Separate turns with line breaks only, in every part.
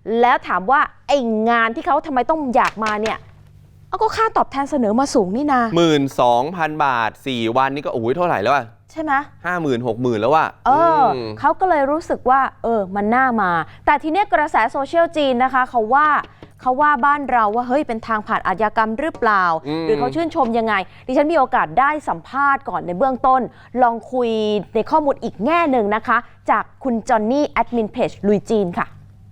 แล้วถามว่าไอ้งานที่เขาทำไมต้องอยากมาเนี่ยก็ค่าตอบแทนเสนอมาสูงนี่นา
12,000 บาท4 วันนี่ก็โอ้โหเท่าไหร่แล้วอะ
ใช่ไหม
50,000 60,000แล้วอะ
เขาก็เลยรู้สึกว่ามันน่ามาแต่ทีเนี้ยกระแสโซเชียลจีนนะคะเขาว่าบ้านเราว่าเฮ้ยเป็นทางผ่านอาชญากรรมหรือเปล่าหรือเขาชื่นชมยังไงดิฉันมีโอกาสได้สัมภาษณ์ก่อนในเบื้องต้นลองคุยในข้อมูลอีกแง่หนึ่งนะคะจากคุณจอนนี่แอดมินเพจลุยจีนค่ะ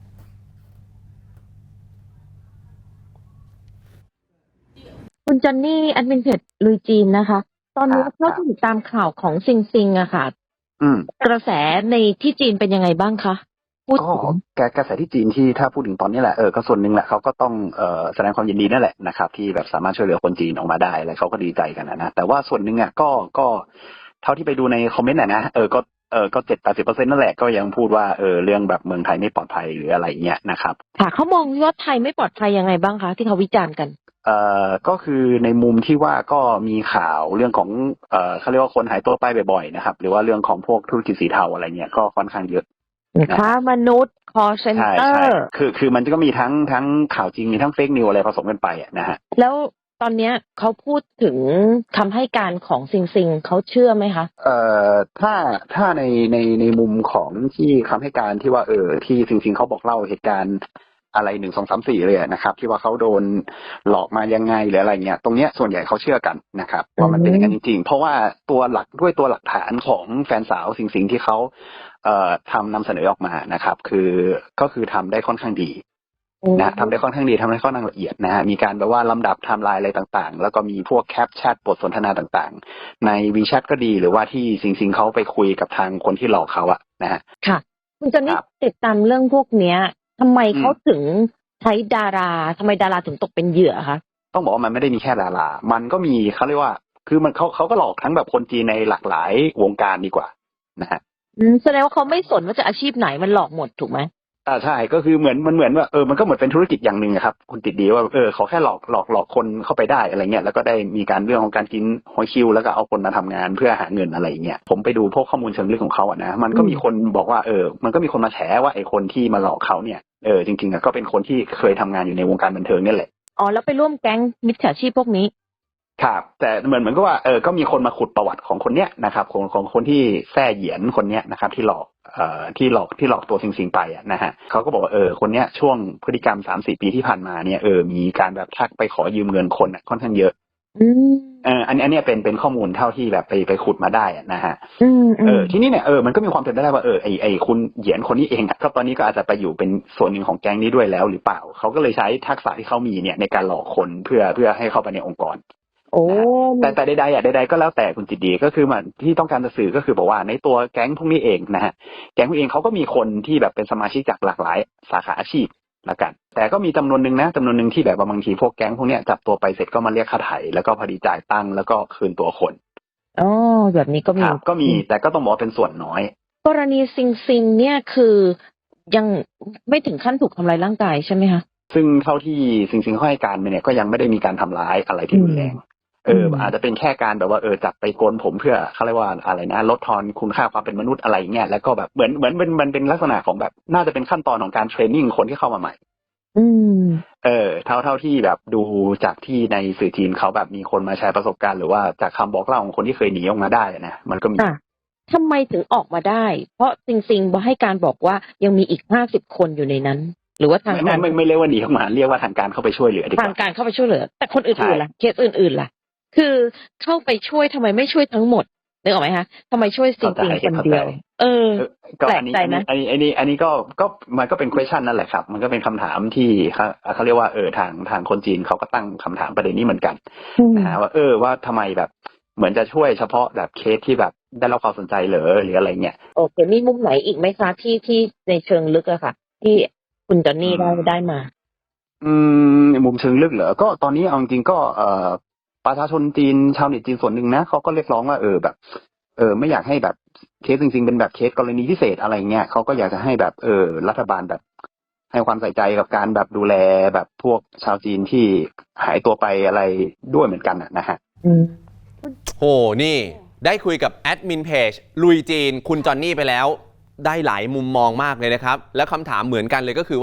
คุณจอนนี่แอดมินเพจลุยจีนนะคะตอนนี้เราติดตามข่าวของซิงซิงอะค่ะกระแสในที่จีนเป็นยังไงบ้างคะ
ก็กระแสที่จีนที่ถ้าพูดถึงตอนนี้แหละก็ส่วนหนึ่งแหละเขาก็ต้องแสดงความยินดีนั่นแหละนะครับที่แบบสามารถช่วยเหลือคนจีนออกมาได้อะไรเขาก็ดีใจกันนะแต่ว่าส่วนหนึ่งก็เท่าที่ไปดูในคอมเมนต์นะก็70-80%นั่นแหละก็ยังพูดว่าเรื่องแบบเมืองไทยไม่ปลอดภัยหรืออะไรเงี้ยนะครับ
ค่ะเขามองว่าไทยไม่ปลอดภัยยังไงบ้างคะที่เขาวิจารณ์กัน
ก็คือในมุมที่ว่าก็มีข่าวเรื่องของเขาเรียกว่าคนหายตัวไปบ่อยๆนะครับหรือว่าเรื่องของพวกธุรกิจสีเทาอะไรเงี้ยก็ค่อนข้างเยอะ
ค้ามนุษย์คอเซ็นเตอร์
คือมันก็มีทั้งข่าวจริงมีทั้งเฟกนิวอะไรผสมกันไปนะฮะ
แล้วตอนนี้เขาพูดถึงคำให้การของซิงซิงเขาเชื่อไหมคะ
ถ้าในมุมของที่คำให้การที่ว่าที่ซิงซิงเขาบอกเล่าเหตุการณ์อะไร1 2 3 4เลยนะครับที่ว่าเขาโดนหลอกมายังไงหรืออะไรเงี้ยตรงเนี้ยส่วนใหญ่เขาเชื่อกันนะครับว่ามันเป็นอย่างนั้นจริงๆเพราะว่าตัวหลักฐานของแฟนสาวซิงซิงที่เขานำเสนอออกมานะครับก็คือทำได้ค่อนข้างดีนะทำได้ค่อนข้างดีทำได้ค่อนข้างละเอียดนะฮะมีการแบบว่าลำดับไทม์ไลน์อะไรต่างๆแล้วก็มีพวกแคปแชทบทสนทนาต่างๆใน WeChat ก็ดีหรือว่าที่ซิงเขาไปคุยกับทางคนที่หลอกเขาอะนะฮะ
ค่ะคุณจอนนี่ติดตามเรื่องพวกเนี้ยทำไมเขาถึงใช้ดาราทำไมดาราถึงตกเป็นเหยื่อคะ
ต้องบอกว่ามันไม่ได้มีแค่ดารามันก็มีเขาเรียกว่าคือมันเขาก็หลอกทั้งแบบคนจีนในหลากหลายวงการดีกว่านะฮะ
แสดงว่าเขาไม่สนว่าจะอาชีพไหนมันหลอกหมดถูกไหม
ใช่ก็คือเหมือนว่ามันก็เหมือนเป็นธุรกิจอย่างหนึ่งครับคุณติดดีว่าเขาแค่หลอกคนเข้าไปได้อะไรเงี้ยแล้วก็ได้มีการเรื่องของการกินหอยคิวแล้วก็เอาคนมาทำงานเพื่อหาเงินอะไรเงี้ยผมไปดูพวกข้อมูลเชิงลึกของเขาอะนะมันก็มีคนบอกว่ามันก็มีคนมาแฉว่าไอ้คนที่มาหลอกเขาเนี่ยจริงๆก็เป็นคนที่เคยทำงานอยู่ในวงการบันเทิงนี่แหละ
แล้วไปร่วมแก๊งมิจฉาชีพพวกนี้
ครับแต่เหมือนก็ว่าก็มีคนมาขุดประวัติของคนเนี้ยนะครับของคนที่แซ่เหยียนคนเนี้ยนะครับที่หลอกตัวซิงไปอ่ะนะฮะเขาก็บอกว่าคนเนี้ยช่วงพฤติกรรม 3-4 ปีที่ผ่านมาเนี่ยมีการแบบทักไปขอยืมเงินคนค่อนข้างเยอะอันนี้เป็นข้อมูลเท่าที่แบบไปขุดมาได้นะฮะทีนี้เนี่ยมันก็มีความเป็นไปได้ว่าไอคุณเหยียนคนนี้เองก็ตอนนี้ก็อาจจะไปอยู่เป็นส่วนหนึ่งของแก๊งนี้ด้วยแล้วหรือเปล่าเขาก็เลยใช้ทักษะที่เขามีเนี่ยในการหลอกคนเพื่อให้เข้าไปในองค์กรแต่ใดๆก็แล้วแต่คุณจิตดีก็คือมันที่ต้องการจะสื่อก็คือบอกว่าในตัวแก๊งพวกนี้เองนะฮะแก๊งพวกเองเขาก็มีคนที่แบบเป็นสมาชิกจากหลากหลายสาขาอาชีพละกันแต่ก็มีจำนวนหนึ่งที่แบบบางทีพวกแก๊งพวกนี้จับตัวไปเสร็จก็มาเรียกค่าไถ่แล้วก็พอดีจ่ายตังค์แล้วก็คืนตัวคน
แบบนี้
ก็มีแต่ก็ต้องบอกเป็นส่วนน้อย
กรณีซิงเนี่ยคือยังไม่ถึงขั้นถูกทำร้ายร่างกายใช่ไหมคะ
ซึ่งเท่าที่ซิงเขาให้การเนี่ยก็ยังไม่ได้มีการทำร้ายอะไรที่รุนแรงอาจจะเป็นแค่การแบบว่าจับไปโกนผมเพื่อเขาเรียกว่าอะไรนะลดทอนคุณค่าความเป็นมนุษย์อะไรเงี้ยแล้วก็แบบเหมือนมันเป็นลักษณะของแบบน่าจะเป็นขั้นตอนของการเทรนนิ่งคนที่เข้ามาใหม่เท่าที่แบบดูจากที่ในสื่อจีนเขาแบบมีคนมาแชร์ประสบการณ์หรือว่าจากคำบอกเล่าของคนที่เคยหนีออกมาได้นะมันก็มี
ทำไมถึงออกมาได้เพราะซิงให้การบอกว่ายังมีอีก50 คนอยู่ในนั้นหรือว่าทางการ
ไม่เรียกว่าหนีออกมาเรียกว่าทางการเข้าไปช่วยเหลือดีกว่า
ทางการเข้าไปช่วยเหลือแต่คนอื่นๆล่ะเคสอื่นๆล่ะคือเข้าไปช่วยทำไมไม่ช่วยทั้งหมดนึกออกไหมคะทำไมช่วยซิงคนเดียว
แปลกใจนะอันนี้ก็มันก็เป็น question นั่นแหละครับมันก็เป็นคำถามที่เขาเรียกว่าทางคนจีนเขาก็ตั้งคำถามประเด็นนี้เหมือนกันนะฮะว่าทำไมแบบเหมือนจะช่วยเฉพาะแบบเคสที่แบบได้รับความสนใจหรืออะไรเงี้ย
โอเคมีมุมไหนอีกไหมคะที่ในเชิงลึกอะค่ะที่คุณจอนนี่ได้มา
มุมเชิงลึกเหรอก็ตอนนี้เอาจริงก็ประชาชนจีนชาวเน็ตจีนส่วนหนึ่งนะเขาก็เรียกร้องว่าแบบไม่อยากให้แบบเคสจริงๆเป็นแบบเคสกรณีพิเศษอะไรเงี้ยเขาก็อยากจะให้แบบรัฐบาลแบบให้ความใส่ใจกับการแบบดูแลแบบพวกชาวจีนที่หายตัวไปอะไรด้วยเหมือนกันนะฮะ
โหนี่ได้คุยกับแอดมินเพจลุยจีนคุณจอนนี่ไปแล้วได้หลายมุมมองมากเลยนะครับแล้วคำถามเหมือนกันเลยก็คือว่า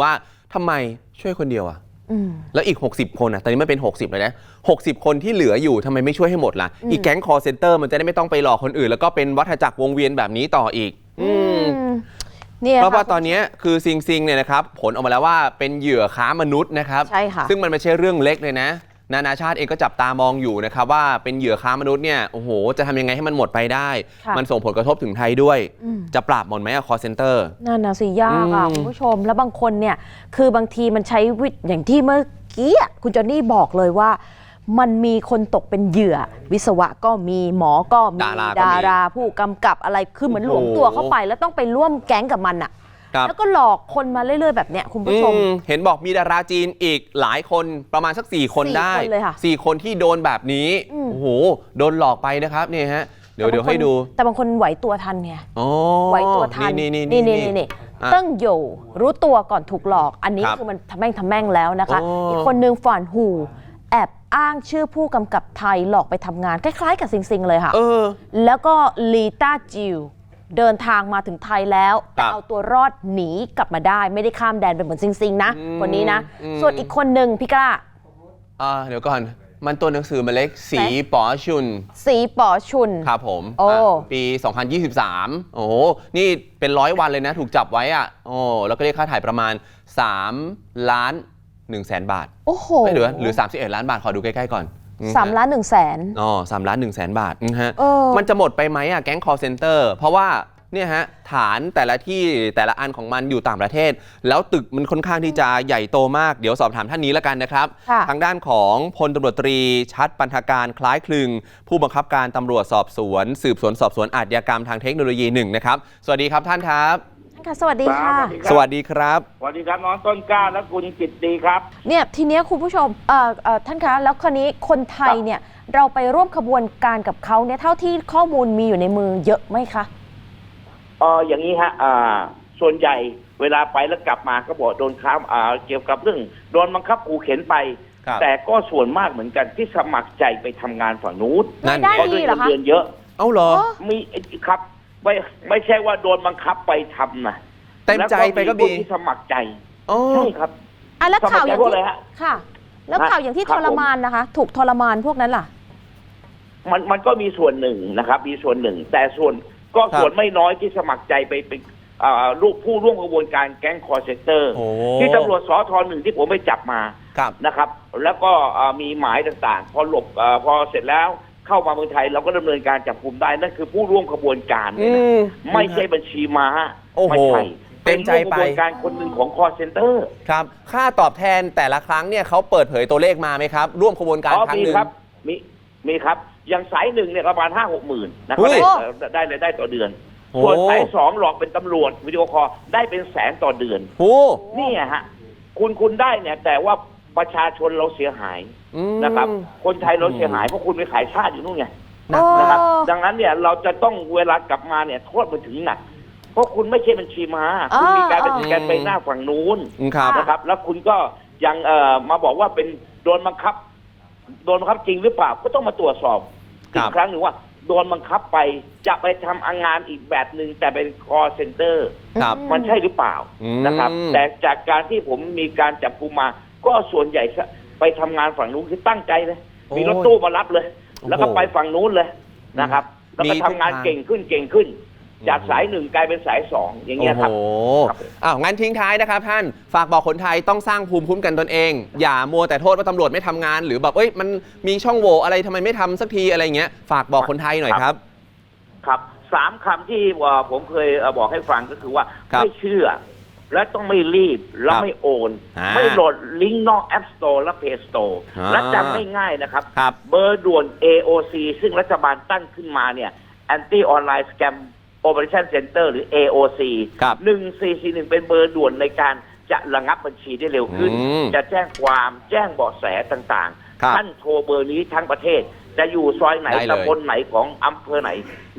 ทำไมช่วยคนเดียวอะ
อืม
แล้วอีก 60 คนอ่ะ ตอนนี้มันเป็น 60เลยนะ 60 คนที่เหลืออยู่ทำไมไม่ช่วยให้หมดล่ะ อีกแก๊ง call center มันจะได้ไม่ต้องไปหลอกคนอื่น แล้วก็เป็นวัฏจักรวงเวียนแบบนี้ต่ออีก
เนี่ย
เพราะว่า
ค่ะ
ตอนนี้คือซิงเนี่ยนะครับผลออกมาแล้วว่าเป็นเหยื่อค้ามนุษย์นะครับ
ใช่ค่ะ
ซึ่งมันไม่ใช่เรื่องเล็กเลยนะ นานาชาติเองก็จับตามองอยู่นะครับว่าเป็นเหยื่อค้ามนุษย์เนี่ยโอ้โหจะทำยังไงให้มันหมดไปได้
ค่ะ
มันส่งผลกระทบถึงไทยด้วย
อืม
จะปราบหมดไหมอะ call center
นั่นนะสิยากอ่ะ
อืม
คุณผู้ชมแล้วบางคนเนี่ยคือบางทีมันใช้อย่างที่เมื่อกี้คุณจอนนี่บอกเลยว่า มันมีคนตกเป็นเหยื่อ วิศวะก็มีหมอก็มี
ดารา
ผู้กำกับอะไรคือเหมือนหลวมตัวเข้าไป แล้วต้องไปร่วมแก๊งกับมันอ่ะ
ครับ
แล้วก็หลอกคนมาเรื่อยๆแบบเนี้ยคุณผู้ชม
เห็นบอกมีดาราจีนอีกหลายคนประมาณสัก4 คน
4
ได้
คนเลยค่ะ
4 คนที่โดนแบบนี้
อืม
โอ้โหโดนหลอกไปนะครับเนี่ยฮะเดี๋ยวให้ดู
แต่บางคนไหวตัวทันไง
อ๋อ
ไหวตัวทัน
นี่ อ่ะ
ตั้งโยรู้ตัวก่อนถูกหลอก อันนี้
ครับ
คือมันทำแม่งแล้วนะคะ
โอ้
อีกคนนึงฝ่านหูแอบอ้างชื่อผู้กำกับไทยหลอกไปทำงานคล้ายๆกับซิงเลยค่ะ แล้วก็ลีต้าจิวเดินทางมาถึงไทยแล้วแต่เอาตัวรอดหนีกลับมาได้ ไม่ได้ข้ามแดนไปเหมือนซิงนะ คนนี้นะ ส่วนอีกคนหนึ่งพี่กล้า
เดี๋ยวก่อนมันตัวหนังสือมาเล็กสีป๋อชุน
สีป๋อชุน
ครับผม
โอ้
ปี 2023 โอ้โหนี่เป็น100 วันเลยนะถูกจับไว้อ่ะโอ้แล้วก็เรียกค่าถ่ายประมาณ3 ล้าน1แสนบาท
โอ้โห
ไม่เหลือ31 ล้านบาทขอดูใกล้ๆก่อน
3 ล้าน1แสน
อ๋อ3 ล้าน1แสนบาทฮะ
เออ
มันจะหมดไปไหมอ่ะแก๊ง call center เพราะว่าเนี่ยฮะฐานแต่ละที่แต่ละอันของมันอยู่ต่างประเทศ แล้วตึกมันค่อนข้างที่จะใหญ่โตมากเดี๋ยวสอบถามท่านนี้แล้วกันนะครับ
ค่ะ
ทางด้านของพลตำรวจตรีชัดปันธการคล้ายคลึง ผู้บังคับการตำรวจสอบสวนสืบสวนสอบสวนอาชญากรรมทางเทคโนโลยี1นะครับสวัสดีครับท่านครับ
ค่ะสวัสดีค่ะ
สวัสดีครับ
สวัสดีครับน้องต้นกล้าและคุณจิตดีครับ
เนี่ยทีเนี้ยคุณผู้ชมท่านคะแล้วคราวนี้คนไทยเนี่ยเราไปร่วมขบวนการกับเขาเนี่ยเท่าที่ข้อมูลมีอยู่ในมือเยอะไหมคะ
อย่างนี้ฮะส่วนใหญ่เวลาไปแล้วกลับมาก็บอกโดนค้ามเกี่ยวกับเรื่องโดนบังคับขู่เข็นไป
ครับ
แต่ก็ส่วนมากเหมือนกันที่สมัครใจไปทำงานฝั่งนู้น
นั่น
ได้
เพราะ
ดี
ด้วย
เหร
เงิ
อน คะ
เดือนเยอะ
เอ้าเหรอ
มีครับไม่ใช่ว่าโดนบังคับไปทำนะ
เต็มใจไปก็มี
แล้วพวที่สมัครใจ
อ๋อ
ใช่ครับ
อ่ะแล้วข่าวอย่าง
สมัครใจพวก
ที่
อะไรฮะ
ค่ะ แล้วข่าวอย่างที่
ครั
ท
บ
รมานนะคะ ถูกทรมานพวกนั้นล่ะ
มันก็มีส่วนหนึ่งนะครับ มีส่วนหนึ่ง แต่ส่วนไม่น้อยที่สมัครใจไปเป็นลูกผู้ร่วมกระบวนการแก๊งคอร์เซนเตอร์
โอ้
ที่ตำรวจสท1ที่ผมไปจับมา
ครับ
นะครับ แล้วก็มีหมายต่างๆ พอพอเสร็จแล้วเข้ามาเมืองไทยเราก็ดำเนินการจับกุมได้นั่นคือผู้ร่วมกระบวนการเนี่ยนะไม่ใช่บัญชีม้า
โอ้โห
ไม่ใช่
เต็มใจไป
เป็นร่วมกระบวนการคนหนึ่งของคอร์เซนเตอร์
ครับค่าตอบแทนแต่ละครั้งเนี่ยเขาเปิดเผยตัวเลขมาไหมครับ ร่วมขบวนการครั้ง
มี
หนึ่ง
ครับมีครับอย่างสายหนึ่งเนี่ยประมาณ5-6 หมื่นนะค
เฮ้
รับ
ย
ได้รายได้ต่อเดือน
โอ้
ส่วนสาย2หลอกเป็นตำรวจวิดีโอคอลได้เป็นแสนต่อเดือน
โอ้
นี่ฮะคุณได้เนี่ยแต่ว่าประชาชนเราเสียหาย นะครับ คนไทยเราเสียหายเพราะคุณไปขายชาติอยู่นู่นไง
หนัก
นะครับ
โอ้
ดังนั้นเนี่ยเราจะต้องเวลากลับมาเนี่ยโทษมันถึงหนัก เพราะคุณไม่ใช่บัญชีม้าคุณมีการเป็นสแกนไปหน้าฝั่งนู้น
ครับ
นะครับ แล้วคุณก็ยังมาบอกว่าเป็นโดนบังคับจริงหรือเปล่าก็ต้องมาตรวจสอบ
ครั
อี
บ
กครั้งหนึ่งว่าโดนบังคับไปจะไปทำงานอีกแบบหนึ่งแต่เป็น call center
ครับ
มันใช่หรือเปล่า
อืม
นะครับ แต่จากการที่ผมมีการจับกุมมา ก็ส่วนใหญ่ไปทำงานฝั่งนู้นคือตั้งใจเลย
โอ้
มีรถตู้มารับเลย
โอ้โห
แล้วก็ไปฝั่งนู้นเลยนะครับ แล้วก็
มี
ทำงาน
ทุกทาง
เก่งขึ้น จากสายหนึ่งกลายเป็นสายสองอย่างเงี้ยครับ
โอ้โห
ครับ
งั้นทิ้งท้ายนะครับท่านฝากบอกคนไทยต้องสร้างภูมิคุ้มกันตนเอง อย่ามัวแต่โทษว่าตำรวจไม่ทำงาน หรือแบบมันมีช่องโหว่อะไรทำไมไม่ทำสักทีอะไรเงี้ยฝากบอกคนไทยหน่อยครับ
ครับ3 คำที่ผมเคยบอกให้ฟังก็คือว่า
ครับ
ไม่เชื่อ และต้องไม่รีบและ
ครับ
ไม่โอน
ไม่
ไม่โหลดลิงก์นอก App Store และ Play Store และจำง่ายๆนะครับ
ครับ
เบอร์ด่วน AOC ซึ่งรัฐบาลตั้งขึ้นมาเนี่ย Anti Online Scam Operation Center หรือ AOC
ครับ
1441 เป็นเบอร์ด่วนในการจะระงับบัญชีได้เร็วขึ้น จะแจ้งความแจ้งเบาะแสต่าง
ครับ
ๆ ท่านโทรเบอร์นี้ทั้งประเทศ จะอยู่ซอยไหน
ได้เลย
ตำบลไหนของอำเภอไหน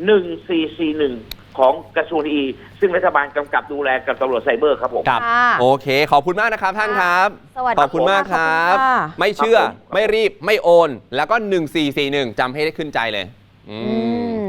1441 ของกระทรวงดีซึ่งรัฐบาลกำกับดูแลกับตำรวจไซเบอร์ครับผม
ครับ
ค่ะ
โอเค ขอบคุณมากนะครับท่านครับ
สวัสดี
ขอบคุณมากครับ
ขอบคุณค่ะ
ไม่เชื่อ
ครับผม
ไม่รีบไม่โอน แล้วก็ 1441จำให้ได้ขึ้นใจเลย
อืม